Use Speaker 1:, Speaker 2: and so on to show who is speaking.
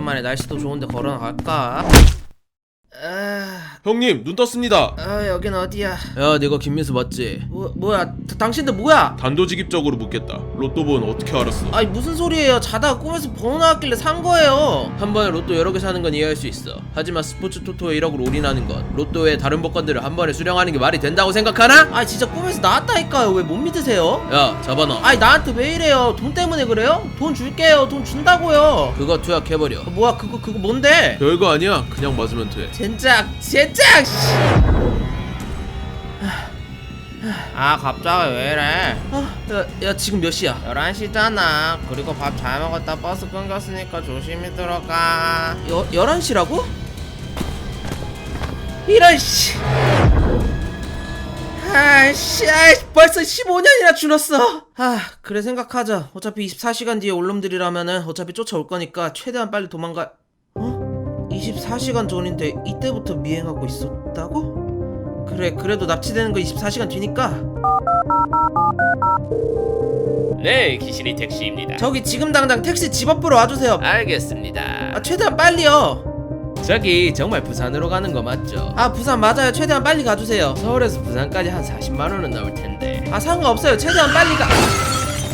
Speaker 1: 오랜만에 날씨도 좋은데 걸어 나갈까?
Speaker 2: 형님 눈 떴습니다.
Speaker 1: 여긴 어디야?
Speaker 2: 야 내가 김민수 맞지?
Speaker 1: 뭐야? 당신들 뭐야?
Speaker 2: 단도직입적으로 묻겠다. 로또 번 어떻게 알았어?
Speaker 1: 아니 무슨 소리예요? 자다가 꿈에서 번호 나왔길래 산 거예요.
Speaker 2: 한 번에 로또 여러 개 사는 건 이해할 수 있어. 하지만 스포츠 토토에 1억을 올인하는 것, 로또의 다른 복권들을 한 번에 수령하는 게 말이 된다고 생각하나?
Speaker 1: 아니 진짜 꿈에서 나왔다니까요. 왜 못 믿으세요?
Speaker 2: 야 잡아놔.
Speaker 1: 아니 나한테 왜 이래요? 돈 때문에 그래요? 돈 줄게요. 돈 준다고요.
Speaker 2: 그거 투약해버려.
Speaker 1: 뭐야 그거 뭔데?
Speaker 2: 별거 아니야. 그냥 맞으면 돼.
Speaker 1: 젠장 씨. 아 갑자기 왜 이래?
Speaker 2: 야 지금 몇 시야?
Speaker 1: 11시잖아. 그리고 밥 잘 먹었다 버스 끊겼으니까 조심히 들어가.
Speaker 2: 11시라고?
Speaker 1: 이런 씨. 아이씨 벌써 15년이나 줄었어. 그래 생각하자. 어차피 24시간 뒤에 올놈들이라면은 어차피 쫓아올 거니까 최대한 빨리 도망가. 24시간 전인데 이때부터 미행하고 있었다고? 그래 그래도 납치되는 거 24시간 뒤니까.
Speaker 3: 네, 기신이 택시입니다.
Speaker 1: 저기 지금 당장 택시 집 앞으로 와주세요.
Speaker 3: 알겠습니다.
Speaker 1: 최대한 빨리요.
Speaker 3: 저기 정말 부산으로 가는 거 맞죠?
Speaker 1: 부산 맞아요. 최대한 빨리 가주세요.
Speaker 3: 서울에서 부산까지 한 40만 원은 나올 텐데.
Speaker 1: 상관없어요. 최대한 빨리 가.